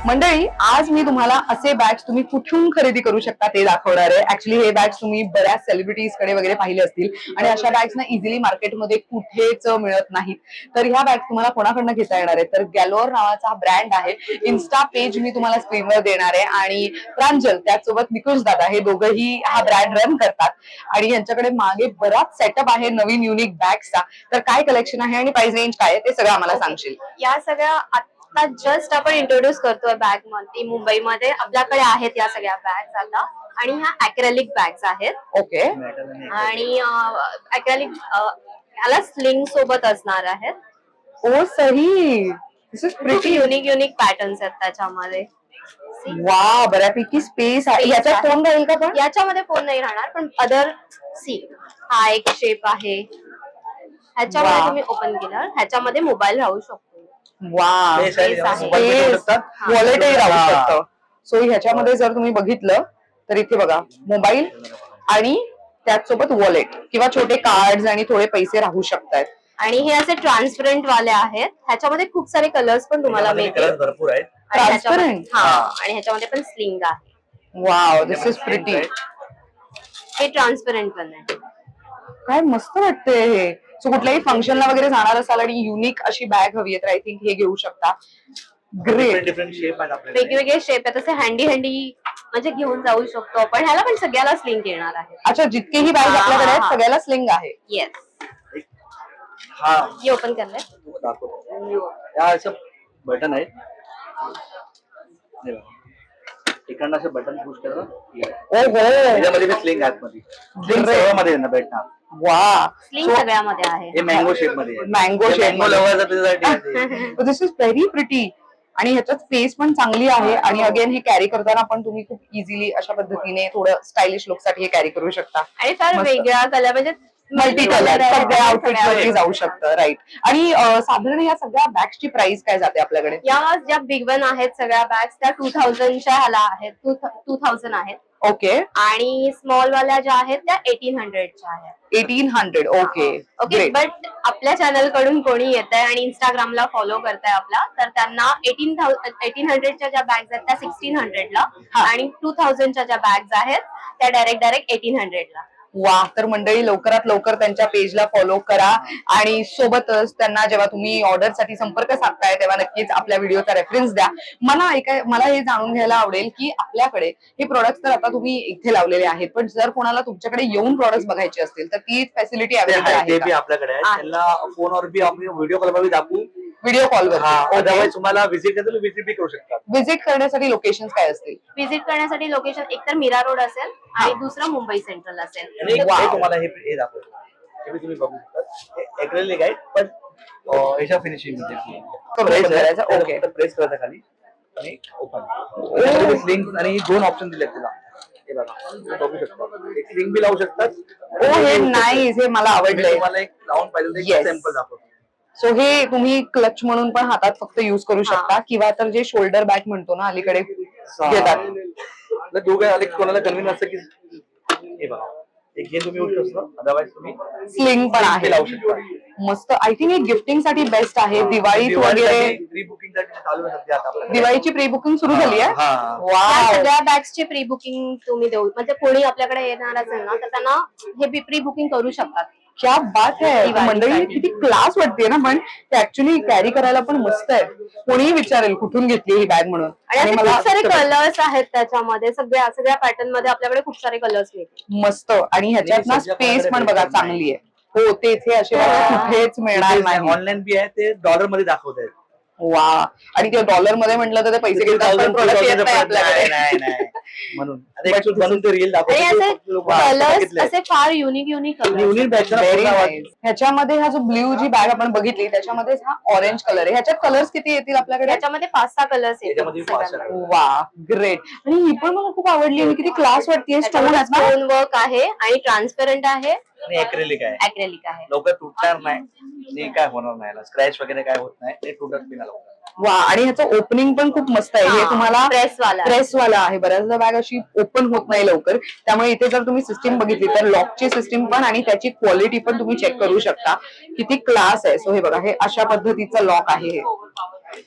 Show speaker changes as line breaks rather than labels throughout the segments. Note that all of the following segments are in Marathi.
मंडळी, आज मी तुम्हाला असे बॅग्स तुम्ही कुठून खरेदी करू शकता ते दाखवणार आहे. ऍक्च्युली हे बॅग्स तुम्ही बऱ्याच सेलिब्रिटीज कडे वगैरे पाहिले असतील आणि अशा बॅग्स ना इझिली मार्केटमध्ये कुठेच मिळत नाहीत. तर ह्या बॅग्स तुम्हाला कोणाकडनं घेता येणार आहे? तर गॅलोर नावाचा ब्रँड आहे. इन्स्टा पेज मी तुम्हाला स्क्रीनवर देणार आहे आणि प्रांजल त्याचसोबत निकुंज दादा हे दोघंही हा ब्रँड रन करतात आणि यांच्याकडे मागे बराच सेटअप आहे नवीन युनिक बॅग्सचा. तर काय कलेक्शन आहे आणि प्राइस रेंज काय आहे ते सगळं आम्हाला सांगशील?
या सगळ्या जस्ट आपण इंट्रोड्यूस करतोय बॅग मध्ये मुंबईमध्ये आपल्याकडे आहेत या सगळ्या बॅग्स आता. आणि ह्या अॅक्रेलिक बॅग्स आहेत.
ओके.
आणि अॅक्रेलिक याला स्लिंग सोबत असणार आहेत.
ओ सही, this is pretty
unique patterns आहेत त्याच्यामध्ये.
वा, बऱ्यापैकी स्पेस आहे. याच्यात फोन राहील का? पण
याच्यामध्ये फोन नाही राहणार, पण अदर सी हा एक शेप आहे. ह्याच्यामध्ये तुम्ही ओपन केलं ह्याच्यामध्ये मोबाईल राहू शकतो.
वा, वॉलेटही राहू शकतं. सो ह्याच्यामध्ये जर तुम्ही बघितलं तर इथे बघा मोबाईल आणि त्याचसोबत वॉलेट किंवा छोटे कार्ड्स आणि थोडे पैसे राहू शकतात.
आणि हे असे ट्रान्सपरंट वाले आहेत. ह्याच्यामध्ये खूप सारे कलर्स पण तुम्हाला मिळतील.
भरपूर आहेत.
ट्रान्सपरंट.
हा, आणि ह्याच्यामध्ये पण स्लिंग आहे.
Wow, this is pretty.
हे ट्रान्सपरंट पण आहे.
काय मस्त वाटतंय हे. सो कुठल्याही फंक्शनला वगैरे जाणार असाल आणि युनिक अशी बॅग हवी आहे तर आय थिंक हे घेऊ शकता. ग्रेट.
डिफरंट शेप आहेत आपल्याकडे.
वेगवेगळे शेप आहेत. असे हँडी म्हणजे घेऊन जाऊ शकतो आपण. ह्याला पण सगळ्याला स्लिंग येणार आहे.
अच्छा, जितकेही बॅग आपल्याकडे आहेत सगळ्याला स्लिंग आहे.
येस.
हा,
हे ओपन करलंय.
दाखवतो. या असं बटन आहे. इकडनं असं बटन पुश करा.
ओहो,
याच्यामध्ये स्लिंग आहे मध्ये. स्लिंग सर्वांमध्ये ना भेटणार.
वा,
स्लिंग सगळ्यामध्ये आहे.
हे मँगो शेप मध्ये आहे.
मँगो शेप
मँगो लव्हर त्याच्यासाठी.
This is very pretty. आणि ह्याच्यात स्पेस पण चांगली आहे आणि अगेन हे कॅरी करताना पण तुम्ही खूप इझिली अशा पद्धतीने थोडं स्टायलिश लुक साठी हे कॅरी करू शकता.
आणि फार वेगळा कलर म्हणजे
मल्टी कलर सगळ्या आउटफिट वरती जाऊ शकतं. राईट. आणि साधारण या सगळ्या बॅग्सची प्राइस काय जाते आपल्याकडे?
या ज्या बिग वन आहेत सगळ्या बॅग्स त्या 2000च्या ह्याला आहेत. 2000 आहेत.
ओके.
आणि स्मॉल वाल्या ज्या आहेत त्या 1800च्या आहेत.
1800. ओके.
ओके. बट आपल्या चॅनल कडून कोणी येत आहे आणि इंस्टाग्रामला फॉलो करताय आपला, तर त्यांना 1800च्या ज्या बॅग्स आहेत त्या 1600ला आणि 2000च्या ज्या बॅग्स आहेत त्या डायरेक्ट 1800ला.
वा, तर मंडळी लवकरात लवकर त्यांच्या पेजला फॉलो करा आणि सोबतच त्यांना जेव्हा तुम्ही ऑर्डर साठी संपर्क साधताय तेव्हा नक्कीच आपल्या व्हिडिओचा रेफरन्स द्या. मला हे जाणून घ्यायला आवडेल की आपल्याकडे हे प्रोडक्ट तर आता तुम्ही इथे लावलेले आहेत, पण जर कोणाला तुमच्याकडे येऊन प्रोडक्ट बघायचे असतील तर ती फॅसिलिटी अवेलेबल आहे का?
आपल्याकडे आहे. त्याला फोनवर बी आम्ही व्हिडिओ कॉल वर दाखवू.
व्हिडिओ कॉलवर.
अदरवाईज तुम्हाला व्हिजिट करायला व्हिजिट बी करू शकता.
व्हिजिट करण्यासाठी लोकेशन काय असतील?
व्हिजिट करण्यासाठी लोकेशन एकतर मीरा रोड असेल आणि दुसरं मुंबई सेंट्रल असेल.
तुम्हाला हे दाखवतो. हे बी तुम्ही बघू शकता. ऍक्रेलिक आहे पण ह्याच्या फिनिशिंग मध्ये ओके. प्रेस करायचं खाली आणि ओपन. स्लिंग आणि 2 ऑप्शन दिलेत तुला. हे बघा, बघू शकता. एक स्लिंग बी लावू शकतात.
ओ, हे नाईस. हे मला आवडलंय.
तुम्हाला एक लावून पाहिजे सॅम्पल दाखवतो.
सो हे तुम्ही क्लच म्हणून पण हातात फक्त युज करू शकता किंवा तर जे शोल्डर बॅग म्हणतो ना अलीकडे घेतात.
दोघं कोणाला कन्व्हिन्स असतं की हे बघा, एक हे तुम्ही यूज करता. अदरवाईज तुम्ही
स्लिंग पण आहे.
लावू शकता.
मस्त. आय थिंक हे गिफ्टिंग साठी बेस्ट आहे. दिवाळीत वगैरे
प्री बुकिंग साठी चालू आहे सध्या. आता
दिवाळीची प्री बुकिंग सुरू झाली आहे.
या सगळ्या बॅग्सची प्री बुकिंग तुम्ही देऊ, म्हणजे कोणी आपल्याकडे येणार असेल ना तर त्यांना हे प्री बुकिंग करू शकतात.
क्या बात आहे. मंडळी किती क्लास वाटते ना, पण ते ऍक्च्युली कॅरी करायला पण मस्त आहे. कोणीही विचारेल कुठून घेतली ही बॅग म्हणून.
आणि खूप सारे कलर्स आहेत त्याच्यामध्ये. सगळ्या पॅटर्न मध्ये आपल्याकडे खूप सारे कलर्स मिळतील.
मस्त. आणि ह्याच्यात ना स्पेस पण बघा चांगली आहे. हो, ते इथे असे कुठेच मिळणार नाही.
ऑनलाईन बी आहे. ते डॉलर मध्ये दाखवत आहेत.
वा, आणि ते डॉलर मध्ये म्हटलं तर ते पैसे घेतात पण प्रोडक्ट येत नाही आपल्याकडे.
नाही म्हणून ते रील
कलर्स असे फार युनिक
ह्याच्यामध्ये हा जो ब्ल्यू जी बॅग आपण बघितली त्याच्यामध्ये हा ऑरेंज कलर आहे. ह्याच्यात कलर्स किती येतील आपल्याकडे?
ह्याच्यामध्ये 5-6 कलर्स येतील.
वा, ग्रेट. आणि ही पण मला खूप आवडली. आणि किती क्लास वाटते.
स्टोन वर्क आहे आणि ट्रान्सपरंट आहे
आणि ऍक्रेलिक आहे. लवकर तुटणार नाही, काय होणार नाही, स्क्रॅच वगैरे काय होत नाही, ते तुटत बी नाही.
वा, आणि ह्याचं ओपनिंग पण खूप मस्त आहे. हे तुम्हाला प्रेसवाला आहे. बऱ्याचदा बॅग अशी ओपन होत नाही लवकर, त्यामुळे इथे जर तुम्ही सिस्टीम बघितली तर लॉकची सिस्टीम पण आणि त्याची क्वालिटी पण तुम्ही चेक करू शकता. किती क्लास आहे. सो हे बघा, हे अशा पद्धतीचं लॉक आहे. हे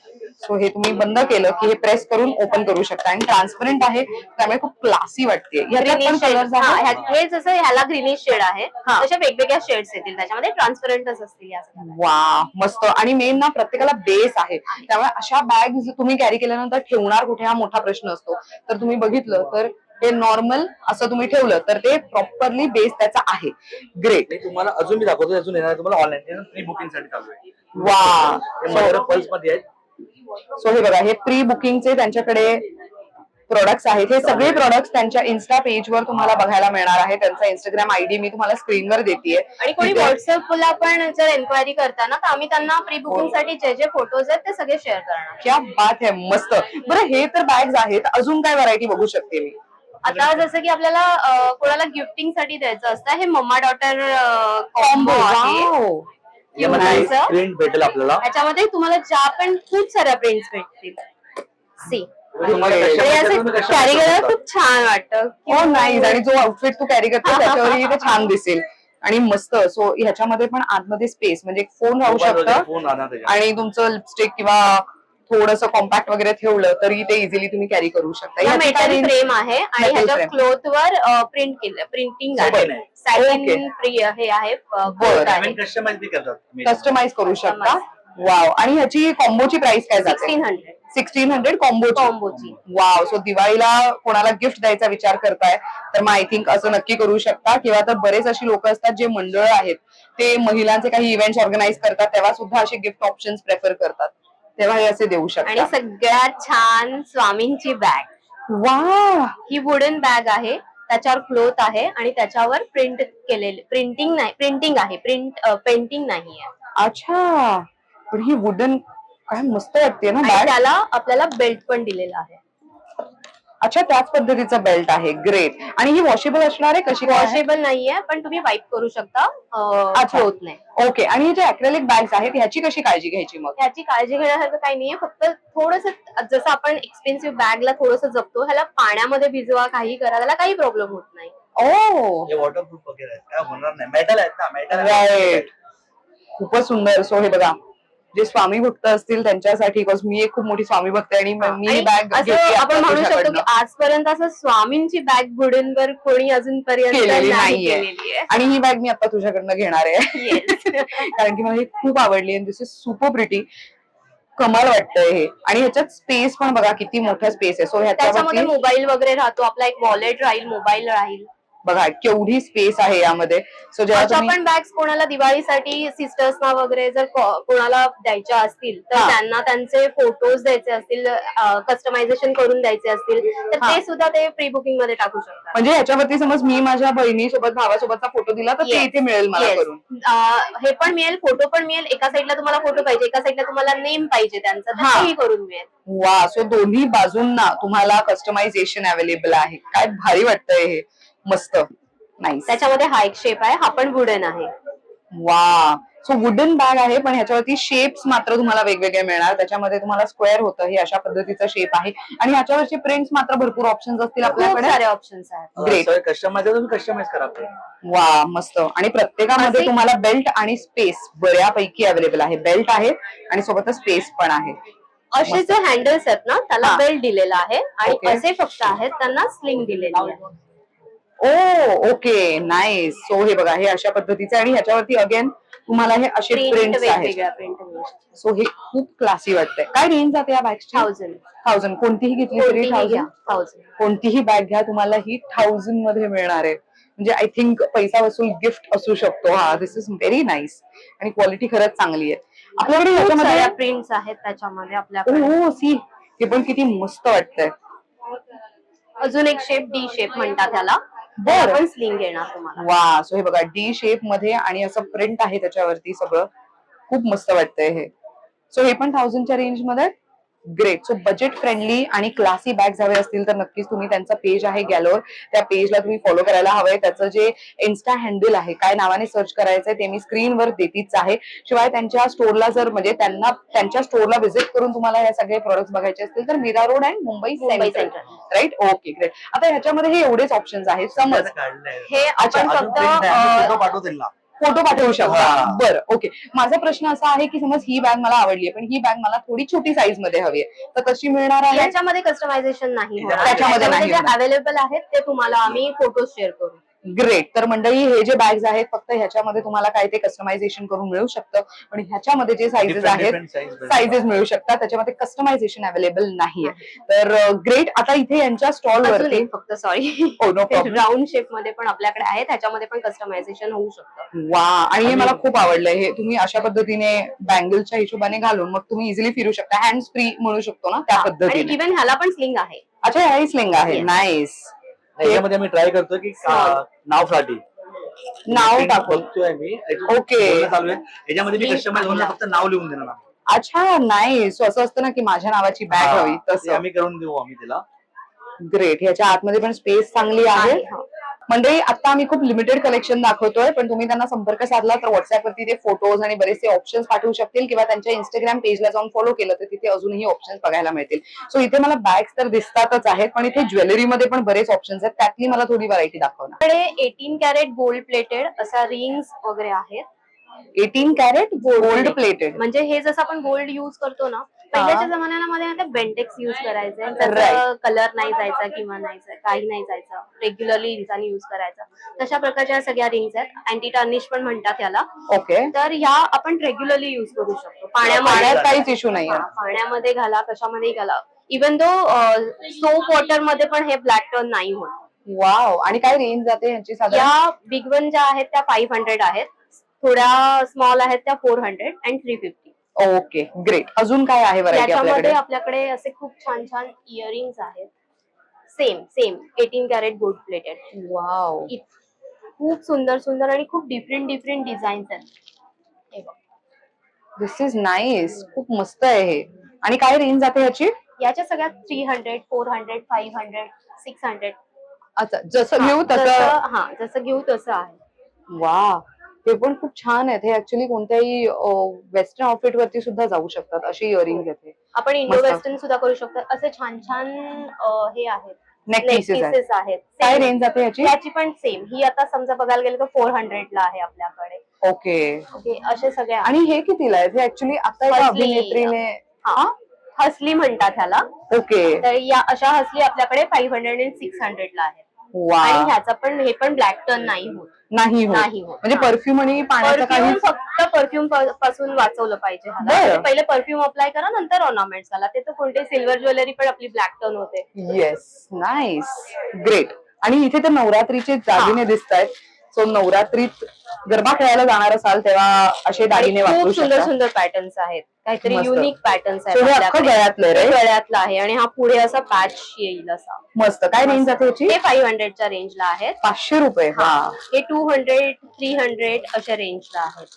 सो हे तुम्ही बंद केलं की हे प्रेस करून ओपन करू शकता आणि ट्रान्सपरंट आहे त्यामुळे खूप क्लासी वाटते. ह्याच्यात पण
ग्रीनिश शेड,
कलर्स आहेत.
हे जसं ह्याला ग्रीनिश शेड आहे
हा.
तशा वेगवेगळ्या शेड्स येतील त्याच्यामध्ये, ट्रान्सपरंटच असतील या सगळ्या.
वा मस्त. आणि मेन ना प्रत्येकाला बेस आहे त्यामुळे अशा बॅग तुम्ही कॅरी केल्यानंतर ठेवणार कुठे हा मोठा प्रश्न असतो. तर तुम्ही बघितलं तर हे नॉर्मल असं तुम्ही ठेवलं तर ते प्रॉपरली बेस त्याचा आहे. ग्रेट.
तुम्हाला अजून मी दाखवतो, अजून येणार तुम्हाला ऑनलाईन प्री बुकिंग साठी चालू आहे.
वा
पल्स मध्ये आहेत.
सो हे बघा हे प्री बुकिंगचे त्यांच्याकडे प्रोडक्ट्स आहेत. हे सगळे प्रोडक्ट्स त्यांच्या इन्स्टा पेजवर तुम्हाला बघायला मिळणार आहे. त्यांचा इंस्टाग्राम आयडी मी तुम्हाला स्क्रीनवर देतेय.
आणि कोणी व्हॉट्सअपला पण जर एन्क्वायरी करताना तर आम्ही त्यांना प्री बुकिंग साठी जे फोटोज आहेत ते सगळे शेअर करणार.
क्या बात आहे, मस्त. बरं हे तर बॅग्स आहेत, अजून काय व्हरायटी बघू शकते मी?
आता जसं की आपल्याला कोणाला गिफ्टिंग साठी द्यायचं असतं, हे मम्मा डॉटर
कॉम्बो
आहे.
प्रिंट भेटेल आपल्याला.
याच्यामध्ये तुम्हाला ज्या पण खूप साऱ्या प्रिंट्स भेटतील. सी कॅरी करायला खूप छान वाटतं.
हो नाईस. आणि जो आउटफिट तू कॅरी करतो त्याच्यावरही ते छान दिसेल आणि मस्त. सो ह्याच्यामध्ये पण आतमध्ये स्पेस म्हणजे फोन राहू शकतं आणि तुमचं लिपस्टिक किंवा थोडंसं कॉम्पॅक्ट वगैरे ठेवलं तरी ते इझिली तुम्ही कॅरी करू शकता.
मेटल फ्रेम आहे आणि ह्याच्या क्लोथ वर प्रिंट केलं, प्रिंटिंग आहे. सॅटिन हे आहे,
कस्टमाइज करू शकता. वाव. आणि ह्याची कॉम्बोची प्राइस काय जाते? 1600 कॉम्बोची. वाव. सो दिवाळीला कोणाला गिफ्ट द्यायचा विचार करताय तर मग आय थिंक असं नक्की करू शकता. किंवा तर बरेच अशी लोक असतात जे मंडळ आहेत ते महिलांचे काही इव्हेंट्स ऑर्गनाईज करतात तेव्हा सुद्धा असे गिफ्ट ऑप्शन्स प्रेफर करतात, तेव्हा हे असे देऊ शकता.
आणि सगळ्यात छान स्वामींची बॅग.
वा.
ही वुडन बॅग आहे, त्याच्यावर क्लोथ आहे आणि त्याच्यावर प्रिंट केलेले, प्रिंटिंग आहे, पेंटिंग नाहीये.
अच्छा. पण ही वुडन काय मस्त वाटते ना बॅग.
त्याला आपल्याला बेल्ट पण दिलेला आहे.
अच्छा, त्याच पद्धतीचा बेल्ट आहे. ग्रेट. आणि ही वॉशेबल असणार आहे? कशी?
वॉशेबल नाहीये पण तुम्ही वाईप करू शकता. होत नाही.
ओके. आणि हे जे अॅक्रेलिक बॅग्स आहेत ह्याची कशी काळजी घ्यायची मग?
ह्याची काळजी घेण्यासारखं काही नाहीये, फक्त थोडंसं जसं आपण एक्सपेन्सिव्ह बॅगला थोडंसं जपतो, ह्याला पाण्यामध्ये भिजवा, काही करा, त्याला काही प्रॉब्लेम होत नाही.
वॉटरप्रूफ वगैरे काय होणार नाही. मेटल आहेत ना, मेटल.
राईट. खूपच सुंदर. सो हे बघा जे स्वामी भक्त असतील त्यांच्यासाठी, बिकॉज मी एक खूप मोठी स्वामी भक्त आणि मी बॅग
आपण म्हणू शकतो की आजपर्यंत असं स्वामींची बॅग वुडनवर कोणी अजूनपर्यंत
केलेली नाहीये. आणि ही बॅग मी आता तुझ्याकडनं घेणार आहे कारण की मला ही खूप आवडली आणि दिस इज सुपर प्रिटी. कमाल वाटतंय हे. आणि ह्याच्यात स्पेस पण बघा किती मोठा स्पेस आहे. सो
ह्याच्यामध्ये मोबाईल वगैरे राहतो, आपला एक वॉलेट राहील, मोबाईल राहील.
बघा केवढी स्पेस आहे यामध्ये. सो जेव्हा
पण बॅग्स कोणाला दिवाळीसाठी सिस्टर्सना वगैरे जर कोणाला द्यायच्या असतील तर त्यांना त्यांचे फोटोज द्यायचे असतील, कस्टमायझेशन करून द्यायचे असतील तर ते सुद्धा ते प्री बुकिंग मध्ये टाकू शकतात.
म्हणजे ह्याच्यावरती समज मी माझ्या बहिणीसोबत भावासोबतचा फोटो दिला तर ते इथे मिळेल मला करून.
हे पण मिळेल, फोटो पण मिळेल. एका साईडला तुम्हाला फोटो पाहिजे, एका साईडला तुम्हाला नेम पाहिजे त्यांचं, तर तेही करून मिळेल.
वा. सो दोन्ही बाजूंना तुम्हाला कस्टमायझेशन अवेलेबल आहे. काय भारी वाटतंय हे. मस्त. नाईस.
त्याच्यामध्ये हा एक शेप आहे, हा पण वुडन आहे.
वा. सो वुडन बॅग आहे पण ह्याच्यावरती शेप्स मात्र तुम्हाला वेगवेगळे मिळणार. त्याच्यामध्ये तुम्हाला स्क्वेअर होतं, हे अशा पद्धतीचं शेप आहे आणि ह्याच्यावरचे प्रिंट्स मात्र भरपूर ऑप्शन्स असतील आपल्याकडे.
सारे ऑप्शन्स आहेत.
ग्रेट.
कस्टमाइज करा.
वा मस्त. आणि प्रत्येकामध्ये तुम्हाला बेल्ट आणि स्पेस बऱ्यापैकी अवेलेबल आहे. बेल्ट आहे आणि सोबतच स्पेस पण आहे.
असे जे हँडल्स आहेत ना त्याला बेल्ट दिलेला आहे आणि असे फक्त आहेत त्यांना स्लिंग दिलेली आहे.
ओके. नाईस. सो हे बघा हे अशा पद्धतीचे आणि ह्याच्यावरती अगेन तुम्हाला हे असे प्रिंट्स आहेत. सो हे खूप क्लासी वाटतंय. काय रेंज जाते या बॅगची? 1000. कोणतीही घेतली तरी 1000. कोणतीही बॅग घ्या तुम्हाला ही 1000 मध्ये मिळणार आहे. म्हणजे आय थिंक पैसा वसूल गिफ्ट असू शकतो. हा. दिस इज व्हेरी नाईस आणि क्वालिटी खरंच चांगली आहे. आपल्याकडे ह्याच्यामध्ये
प्रिंट्स आहेत त्याच्यामध्ये आपल्याकडे.
हो सी. हे पण किती मस्त वाटतंय.
अजून एक शेप डी शेप म्हणतात त्याला. पण स्लिंग येणार तुम्हाला.
वा. सो हे बघा डी शेप मध्ये आणि असं प्रिंट आहे त्याच्यावरती सगळं. खूप मस्त वाटतंय हे. सो हे पण 1000च्या रेंज मध्ये. ग्रेट. सो बजेट फ्रेंडली आणि क्लासी बॅग्स हवे असतील तर नक्कीच तुम्ही त्यांचा पेज आहे गॅलोर, त्या पेजला तुम्ही फॉलो करायला हवंय. त्याचं जे इन्स्टा हँडल आहे, काय नावाने सर्च करायचंय ते मी स्क्रीनवर देतीच आहे. शिवाय त्यांच्या स्टोरला जर म्हणजे त्यांच्या स्टोरला व्हिजिट करून तुम्हाला हे सगळे प्रोडक्ट्स बघायचे असतील तर Mira Road and Mumbai Central. Right. Okay. Great. आता ह्याच्यामध्ये हे एवढेच ऑप्शन्स आहेत. समज
हे आपण फक्त
फोटो पाठवू शकता.
हा.
बरं, ओके. माझा प्रश्न असा आहे की समज ही बॅग मला आवडली पण ही बॅग मला थोडी छोटी साईज मध्ये हवी आहे, तर कशी मिळणार आहे?
याच्यामध्ये कस्टमायझेशन नाही होणार.
त्याच्यामध्ये नाही
जे
होणार.
अवेलेबल आहेत ते तुम्हाला आम्ही फोटो शेअर करू.
ग्रेट. तर मंडळी हे जे बॅग्स आहेत फक्त ह्याच्यामध्ये तुम्हाला काय ते कस्टमायझेशन करून मिळू शकतं, पण ह्याच्यामध्ये जे साईजेस
Different
आहेत
size
साईजेस मिळू शकतात, त्याच्यामध्ये कस्टमायझेशन अवेलेबल नाहीये. तर ग्रेट. आता इथे यांच्या स्टॉल
अजून
वरती
एक फक्त sorry
Oh, no problem.
Round shape मध्ये पण आपल्याकडे आहे, त्याच्यामध्ये पण कस्टमायझेशन होऊ शकतं.
वा, आणि हे मला खूप आवडलंय. हे तुम्ही अशा पद्धतीने बँगलच्या हिशोबाने घालून मग तुम्ही इझिली फिरू शकता, हँड्स फ्री म्हणू शकतो ना त्या
आणि
पद्धतीने.
इव्हन ह्याला पण स्लिंग आहे.
अच्छा, ह्याही स्लिंग आहे.
Yes.
नाईस.
याच्यामध्ये आम्ही ट्राय करतो की नावसाठी
नाव टाकून.
बघतोय मी.
Okay.
बोलणं चालू आहे. याच्यामध्ये मी कस्टमाइज होऊन फक्त नाव लिहून देणार आम्ही.
अच्छा, नाईस. असं असतं ना की माझ्या नावाची बॅग हवी
ते
तसं.
आम्ही करून देऊ आम्ही त्याला.
ग्रेट. ह्याच्या आतमध्ये पण स्पेस चांगली आहे. मंडळी, आता आम्ही खूप लिमिटेड कलेक्शन दाखवतोय, पण तुम्ही त्यांना संपर्क साधला तर व्हॉट्सअपवरती ते फोटोज आणि बरेचसे ऑप्शन्स पाठवू शकतील किंवा त्यांच्या इंस्टाग्राम पेजला जाऊन फॉलो केलं तर तिथे अजूनही ऑप्शन्स बघायला मिळतील. सो इथे मला बॅग्स तर दिसतातच आहेत, पण इथे ज्वेलरीमध्ये पण बरेच ऑप्शन्स आहेत. त्यातली मला थोडी व्हरायटी दाखव ना.
आपल्याकडे 18 कॅरेट गोल्ड प्लेटेड असा रिंग्स वगैरे आहेत.
18 कॅरेट गोल्ड प्लेटेड.
म्हणजे हे जसं आपण गोल्ड युज करतो ना, पहिल्याच्या जमान्यामध्ये बेंटेक्स युज करायचे,
Right.
त्याचा कलर नाही जायचा किंवा नाही काही नाही जायचं, रेग्युलरली इंसानी युज करायचा. तशा प्रकारच्या सगळ्या रिंग्स आहेत. अँटी टर्निश पण म्हणतात याला.
ओके.
तर ह्या आपण रेग्युलरली युज करू शकतो.
पाण्यात काहीच इश्यू नाही.
पाण्यामध्ये घाला, कशामध्ये घाला. इव्हन दो सोप वॉटर मध्ये पण हे ब्लॅक टर्न नाही होत.
वाव. आणि काय रेंज जाते यांची साधारण?
या बिग वन ज्या आहेत त्या 500 आहेत, थोड्या स्मॉल आहेत त्या 400 अँड 350.
Okay, great. अजून काय आहे व्हरायटी
याच्यामध्ये
आपल्याकडे?
आपल्याकडे असे खूप छान छान इयरिंग्स आहेत. Same 18 carat gold plated.
Wow,
खूप सुंदर सुंदर आणि खूप डिफरंट डिझाईन्स आहेत. हे बघ.
This is nice. खूप मस्त आहे हे. आणि काय रेंज जाते ह्याची?
याच्या सगळ्यात 300, 400, 500, 600.
अच्छा, जसं घेऊ तसं.
जसं घेऊ तसं आहे.
वा, हे पण खूप छान आहेत. हे ऍक्च्युली कोणत्याही वेस्टर्न आउटफिट वरती सुद्धा जाऊ शकतात अशी इयरिंग्स आहेत.
आपण इंडो
मस्त.
वेस्टर्न सुद्धा करू शकतो. असे छान छान हे आहेत.
नेक पीसेस आहेत. काय
Same.
रेंज जाते ह्याची?
याची पण सेम. ही आता समजा बघायला गेलं तर 400 ला आहे आपल्याकडे.
ओके.
असे सगळे आहेत.
आणि हे कितीला आहे? हे ऍक्च्युली आता एका
हसली.
अभिनेत्रीने.
हसली म्हणतात ह्याला.
ओके.
तर या अशा हसली आपल्याकडे 500 आणि 600 ला आहेत.
वा.
आणि ह्याचा पण हे पण ब्लॅक टर्न नाही होत.
नाही होत. म्हणजे परफ्यूम आणि पाण्याचा
परफ्यूम
काही.
फक्त परफ्यूम पासून वाचवलं पाहिजे ह्याला.
बरं.
म्हणजे पहिले परफ्यूम अप्लाय करा, नंतर ऑर्नामेंट्स घाला. ते तर कोणते सिल्वर ज्वेलरी पण आपली ब्लॅक टर्न होते.
Yes, nice, great. आणि इथे तर नवरात्रीचे दागिने दिसत आहेत. सो नवरात्रीत गरबा खेळायला जाणार असाल तेव्हा असे दागिने वापरू
खूप सुंदर
शकता.
सुंदर पॅटर्न्स आहेत. काहीतरी
मस्त.
युनिक पॅटर्न्स
So हे
आहेत
अख्खं
आपल्याकडे.
गळ्यातलं आहे, right?
गळ्यातलं आहे आणि हा पुढे असा पॅच येईल असा.
मस्त. काय रेंज जाते याची?
हे 500 च्या रेंजला आहेत.
500 रुपये. वा.
हे 200, 300 अशा रेंजला आहेत.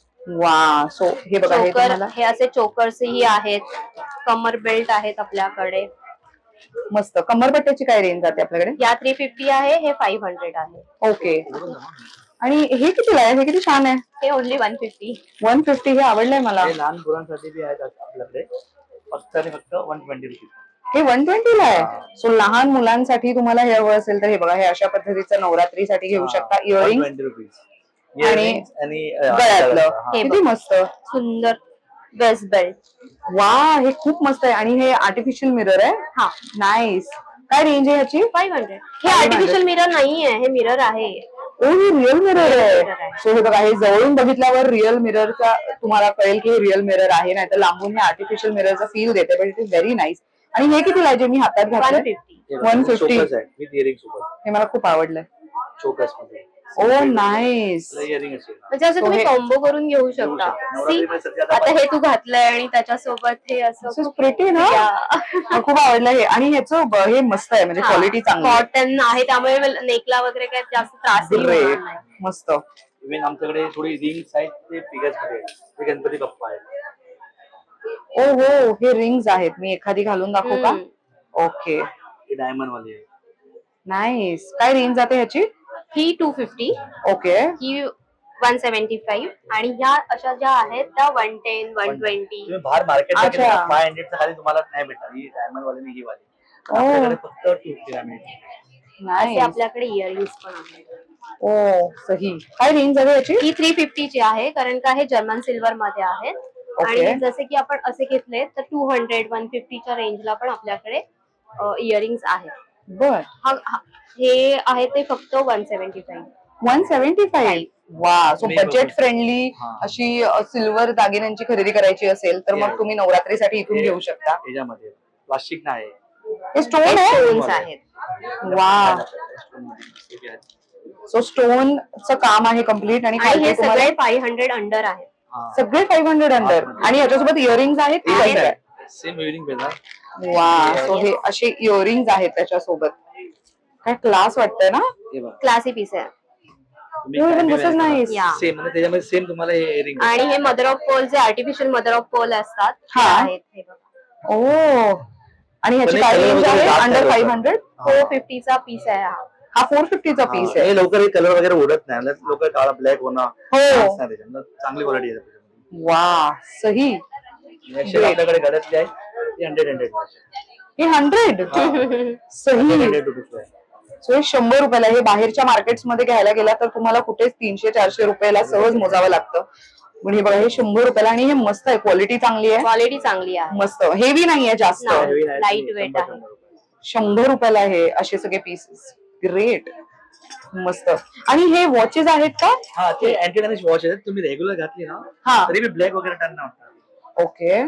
वा. सो हे बघा, हे
चोकर,
तुम्हाला
हे असे चोकर्सही आहेत. कमर बेल्ट आहेत आपल्याकडे.
मस्त. कमरपट्ट्याची काय रेंज जाते आपल्याकडे?
या 350 आहे, हे 500 आहे.
ओके. आणि हे कितीला आहे? हे किती छान आहे.
हे ओनली 150.
150. हे आवडलंय मला.
हे लहान मुलांसाठी बी आहेत आपल्याकडे. फक्त 120 रुपये.
हे 120 ला आहे. सो लहान मुलांसाठी तुम्हाला हे हवं असेल तर हे बघा, हे अशा पद्धतीचं नवरात्रीसाठी घेऊ शकता. इयरिंग
120 रुपये. आणि
गळ्यातलं.
हे
किती मस्त.
सुंदर वेस्ट बेल्ट.
वा, हे खूप मस्त आहे. आणि हे आर्टिफिशियल मिरर आहे. नाईस. काय रेंज आहे ह्याची?
500. हे आर्टिफिशियल मिरर नाहीये, हे मिरर आहे.
ओ, हे रिअल मिरर आहे.
mirror आहे.
सो हे बघा, हे जवळून बघितल्यावर रिअल मिररचा तुम्हाला कळेल की हे रिअल मिरर आहे, नाही तर लांबून हे आर्टिफिशियल मिररचा फील देते. But it is very nice. आणि हे कितीला आहे जे मी हातात घातलं?
150.
150.
विथ इयरिंग सोबत.
हे मला खूप आवडलंय.
चोकर्स मध्ये.
ओ, नाईस.
इयरिंग असेल.
म्हणजे असं तुम्ही कॉम्बो करून घेऊ शकता. See, आता हे तू घातलंय आणि त्याच्यासोबत हे असं
प्रिटी ना. मला खूप आवडलं हे. आणि ह्याचं हे मस्त आहे, म्हणजे क्वालिटी चांगली आहे.
कॉटन आहे, त्यामुळे नेकला वगैरे काही जास्त त्रास
ग्रेट. मस्त.
इव्हन आमच्याकडे थोडी रिंग्स आहेत ते फिगर्स मध्ये आहेत. ते गणपती बाप्पा आहेत.
ओ हो, हे रिंग्स आहेत. मी एखादी घालून दाखवू का? ओके.
हे डायमंड वाले आहेत.
नाईस. काय रेंज जाते ह्याची?
ही 250,
ओके.
ही 175 आणि ह्या अशा ज्या आहेत त्या 110, 120.
तुम्ही बाहेर मार्केटला
अच्छा.
गेला 500 च्या खाली तुम्हाला नाही भेटणार. ही डायमंड वाले आणि ही वाली. आपल्याकडे फक्त 250 ला मिळते.
असे
नाईस.
आपल्याकडे इयरिंग्स पण आहेत.
ओ सही. काय रेंज आहे याची?
ही 350 ची आहे, कारण का हे जर्मन सिल्वर मध्ये आहेत.
Okay.
आणि जसे की आपण असे घेतले तर 200-150 च्या रेंजला पण आपल्याकडे इयरिंग्स आहेत.
बर.
हे आहे ते फक्त 175.
175. वा. सो
मी
बजेट
बघतो.
फ्रेंडली
हा.
अशी सिल्वर दागिन्यांची खरेदी करायची असेल तर मग तुम्ही नवरात्रीसाठी इथून घेऊ शकता.
याच्यामध्ये प्लास्टिक नाही.
हे स्टोन आहे.
स्टोन्स आहेत.
वा. सो स्टोनचं काम आहे कम्प्लीट आणि
आणि हे
खालती तुम्हाला
सगळे 500 अंडर आहेत.
सगळे 500 अंडर आणि याच्यासोबत इयरिंग्स आहेत की कसं आहे?
सेम इव्हनिंग पेजा.
वा. सो हे असे इयरिंग्स आहेत त्याच्यासोबत. काय क्लास वाटतंय ना.
हे बघा.
क्लासी पीस आहे.
This is nice.
Yeah.
Same म्हणजे त्याच्यामध्ये सेम तुम्हाला हे इयरिंग
आणि हे मदर ऑफ पोल जे आर्टिफिशियल मदर ऑफ पोल असतात ते
हा.
आहेत. हे बघा.
ओ. आणि ह्याची
पण
काय
हे
रेंज
color
आहे?
वगैरे
अंडर
जास्त
500.
450 चा पीस आहे हा.
हा 450 चा पीस आहे.
हे लवकर हे कलर वगैरे उडत नाही. लोक काळा ब्लॅक होणार
हो.
chance नाही त्याच्यात. चांगली क्वालिटी आहे त्याच्यामध्ये.
वा. सही.
Next आपल्याकडे गळ्यातले आहे ते 100
हे 100. सही.
100 रुपये.
सो हे 100 रुपयाला. हे बाहेरच्या मार्केट्स मध्ये घ्यायला गेला तर तुम्हाला कुठेच 300-400 रुपयाला सहज मोजावं लागतं. पण हे बघा हे 100 रुपयाला आणि हे मस्त आहे. क्वालिटी चांगली आहे.
क्वालिटी चांगली आहे.
मस्त. हेवी नाहीये जास्त.
नाही.
Heavy नाही,
Light weight
100
आहे.
रुपये.
100 रुपयाला हे असे सगळे पीसेस. ग्रेट. मस्त. आणि हे वॉचेस आहेत का?
हा ते अँटी डॅमेज वॉच आहेत. तुम्ही रेग्युलर घातली ना
हा.
तरी मी ब्लॅक वगैरे टर्न नाही होणार.
ओके.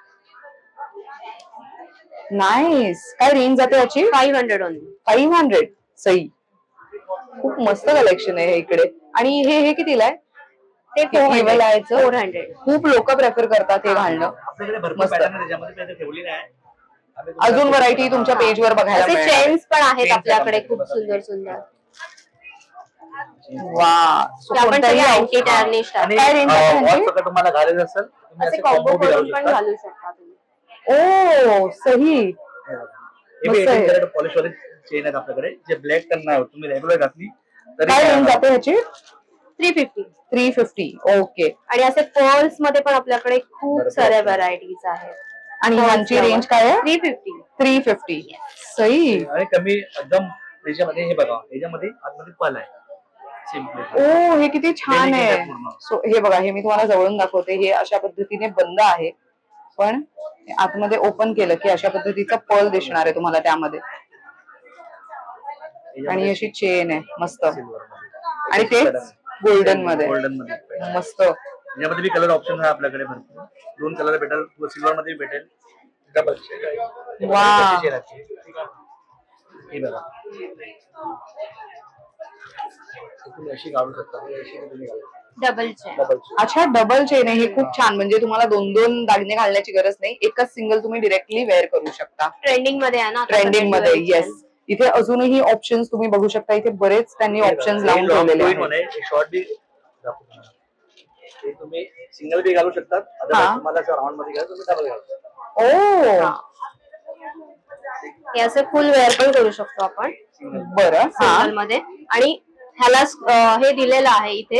नाईस. काय रेंज जाते याची?
500 ओनली.
500. सही. खूप मस्त कलेक्शन आहे हे इकडे. आणि हे कितीला आहे?
ते
Level आहे याचं?
400.
खूप लोक प्रेफर करतात हे घालणं.
आपल्याकडे भरपूर
मस्त.
पॅटर्न त्याच्यामध्ये काही ठेवली नाही. आम्ही तुम्हाला
अजून व्हरायटी तुमच्या पेजवर बघायला
असे
मिळेल.
चेन्स पण आहेत
Chains
आपल्याकडे
आहेत
खूप
आपल्याकडे.
सुंदर सुंदर.
वा. So
ते आपण
कोणत्याही
सगळे
outfit-
अँटी टर्निश
आणि
काय range आहे
वॉच
त्यांची?
सगळं तुम्हाला घालायचं असेल तुम्ही
असे
असे
कॉम्बो
combo बी
करून पण
शकता.
घालू शकता तुम्ही.
ओ सही.
हे
मस्त आहे.
बी पॉलिश वाले चेन आहेत आपल्याकडे जे ब्लॅक टर्न नाही होत. तुम्ही रेग्युलर घातली तरी
काय
काय
रेंज
होणार.
जाते ह्याची?
350.
350. ओके.
आणि असे पर्ल्स मध्ये पण आपल्याकडे खूप
बरोबर.
साऱ्या व्हरायटीज आहेत.
आणि ह्यांची रेंज काय आहे?
350.
350. सही.
आणि कमी एकदम त्याच्यामध्ये हे बघा याच्यामध्ये आतमध्ये पल आहे सिम्पल.
ओ हे किती छान
Delicate
आहे.
आहे पूर्ण.
सो हे बघा हे मी तुम्हाला जवळून दाखवते. हे अशा पद्धतीने बंद आहे पण आतमध्ये ओपन केलं की अशा पद्धतीचा पर्ल दिसणार आहे तुम्हाला त्यामध्ये. आणि अशी चेन आहे मस्त. आणि तेच गोल्डन मध्ये.
गोल्डन मध्ये
मस्त.
याच्यामध्ये बी कलर ऑप्शन आहे आपल्याकडे भरपूर. 2 कलर भेटेल. सिल्वर मध्ये भेटेल. डबल
वा.
हे बघा तुम्ही अशी काढू शकता. अशी तुम्ही घालू शकता.
Double chain.
डबल
अच्छा डबल चेन आहे. हे खूप छान. म्हणजे तुम्हाला 2-2 दागिने घालण्याची गरज नाही. एकच सिंगल तुम्ही डिरेक्टली वेअर करू शकता.
ट्रेंडिंग मध्ये आहे ना आता
ट्रेंडिंग मध्ये.
सगळे
येस. इथे अजूनही ऑप्शन्स तुम्ही बघू शकता. इथे बरेच त्यांनी ऑप्शन्स लावून ठेवलेले आहेत.
शॉर्ट बी ते तुम्ही सिंगल बी घालू शकतात.
हा.
अदरवाईज तुम्हाला जर राऊंड मध्ये घ्यायचं तुम्ही डबल घालू शकता.
ओ
हा. हे असं फुल वेअर पण करू शकतो आपण
बरं. हा.
सिंगल मध्ये. आणि ह्याला हे दिलेलं आहे इथे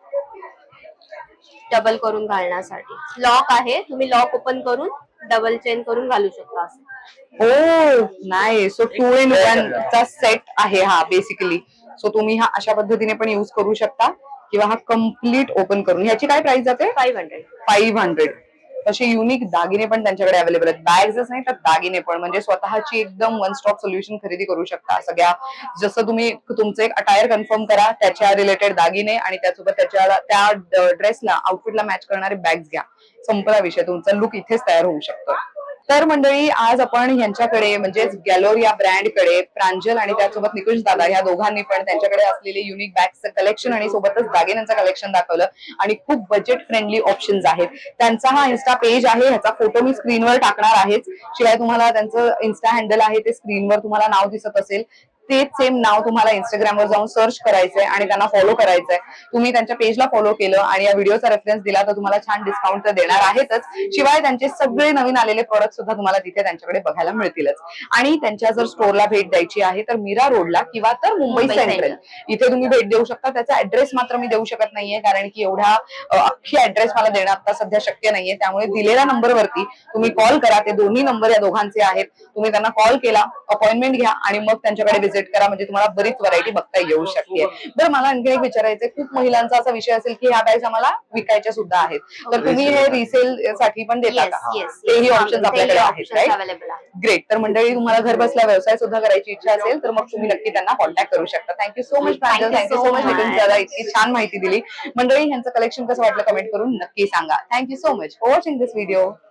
डबल करून घालण्यासाठी. लॉक आहे. तुम्ही लॉक ओपन करून डबल चेन करून घालू शकता असं.
ओ नाही. सो 2 in 1 चा सेट आहे हा बेसिकली. सो तुम्ही हा अशा पद्धतीने पण युज करू शकता किंवा हा कम्प्लीट ओपन करून. ह्याची काय प्राइस जाते?
500.
500. तसे युनिक दागिने पण त्यांच्याकडे अवेलेबल आहेत. बॅग्सच नाही तर दागिने पण. म्हणजे स्वतःची एकदम वन स्टॉप सोल्युशन खरेदी करू शकता. सगळ्या जसं तुम्ही तुमचं एक अटायर कन्फर्म करा त्याच्या रिलेटेड दागिने आणि त्यासोबत त्या ड्रेसला आउटफिटला मॅच करणारे बॅग्स घ्या. संपला विषय. तुमचा लुक इथेच तयार होऊ शकतो. तर मंडळी आज आपण ह्यांच्याकडे म्हणजेच गॅलोरिया ब्रँडकडे प्रांजल आणि त्यासोबत निकुंज दादा ह्या दोघांनी पण त्यांच्याकडे असलेले युनिक बॅग्सचं कलेक्शन आणि सोबतच दागिन्यांचं कलेक्शन दाखवलं. आणि खूप बजेट फ्रेंडली ऑप्शन्स आहेत. त्यांचा हा इन्स्टा पेज आहे. ह्याचा फोटो मी स्क्रीनवर टाकणार आहेच. शिवाय तुम्हाला त्यांचं इन्स्टा हँडल आहे ते स्क्रीनवर तुम्हाला नाव दिसत असेल. तेच सेम नाव तुम्हाला इंस्टाग्रामवर जाऊन सर्च करायचंय आणि त्यांना फॉलो करायचंय. तुम्ही त्यांच्या पेजला फॉलो केलं आणि या व्हिडिओचा रेफरन्स दिला तर तुम्हाला छान डिस्काउंट तर देणार आहेतच. शिवाय त्यांचे सगळे नवीन आलेले प्रोडक्ट सुद्धा तुम्हाला तिथे त्यांच्याकडे बघायला मिळतीलच. आणि त्यांच्या जर स्टोरला भेट द्यायची आहे तर मीरा रोडला किंवा तर मुंबई सेंट्रल इथे तुम्ही भेट देऊ शकता. त्याचा ऍड्रेस मात्र मी देऊ शकत नाहीये कारण की एवढा अख्खी ऍड्रेस मला देणं आता सध्या शक्य नाहीये. त्यामुळे दिलेल्या नंबरवरती तुम्ही कॉल करा. ते दोन्ही नंबर या दोघांचे आहेत. तुम्ही त्यांना कॉल केला, अपॉइंटमेंट घ्या आणि मग त्यांच्याकडे व्हिजिट व्हिजिट करा, म्हणजे तुम्हाला बरीच व्हरायटी बघता येऊ शकते. बरं, मला आणखी एक विचारायचंय, खूप महिलांचा असा विषय असेल की ह्या बॅग्स आम्हाला विकायच्या सुद्धा आहेत, तर तुम्ही हे रिसेल साठी पण देता
येस
का?
येस
तेही ऑप्शन आपल्याकडे आहेत, राईट?
अवेलेबल आहे.
ग्रेट. तर मंडळी, तुम्हाला घर बसल्या व्यवसाय सुद्धा करायची इच्छा असेल तर मग तुम्ही नक्की त्यांना कॉन्टॅक्ट करू शकता. Thank you so much Pranjal, thank you so much Nitin दादा, इतकी छान माहिती दिली. मंडळी, ह्यांचं कलेक्शन कसं वाटलं कमेंट करून नक्की सांगा. Thank you so much for watching this video.